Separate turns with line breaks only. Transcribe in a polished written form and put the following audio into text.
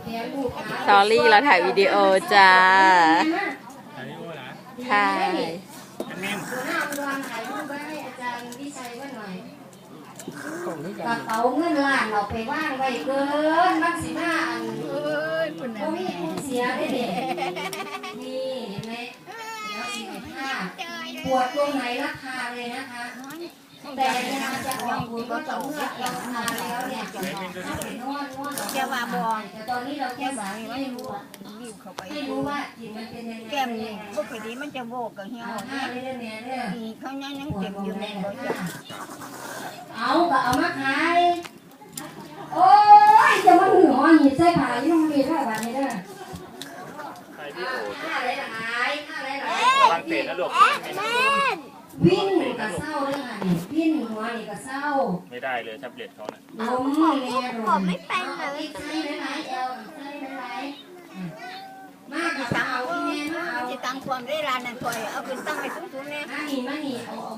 สอรี่เราถ่ายวิดีโอจ้า
ถ่ายวิดีโอเหรอ
ถ่าย
แอดมิน
หัวหน้าอุดรถ่ายรูปไว้ให้อาจารย์วิชัยว่าหน่อยกระเป๋าเงินล้านเราไปว่างไว้เกินมักสิมาอันก็มีผู้เสียได้เด็นี่เห็นไหมเดี๋ยวสิผ้าปวดตรงไหนราคาเลยนะคะแต่เวลาจะออกบุญก็ต้องเลือกราคาแล้วเนี่ยถ้าเป็นนวดแกว่าบอลแต่ตอนนี้เราแค่สาไม่รู้ไม่รู้ว่าจิตมันเป็นยังไง
แก้มนี่ปกติมันจะโบกกับเหี่ยว
เอาผ้าเรื่องนี้เรื่อง
เขายังเก็บอยู่ในบ่จ้ะ
เอาก็เอามาขายโอ้ยจะมาหือหอหีบใส่ผ้ายี่ห้อมีเท่าไหร่นี่เด้อ
ถ่ายวิดีโอ
ผ้าอะไรหลายผ้าอะไรหลาย
ระวังเตะนะลูก
วิ่งกับเศร้าเลยค่ะนี่วิ่งหัวนี่กับเศร้า
ไม่ได้เลยแท็บเล็ตเขานะ
ล้มเนี่ยผมไม่เป็นเลยใส่หลายเอวใส่หลายมากกับเอาที่แม่มาเอา
จะตั้งความได้ร้านนั่นคอยเอาขึ้นตั้งไปสูงๆแน่
มานี่เอา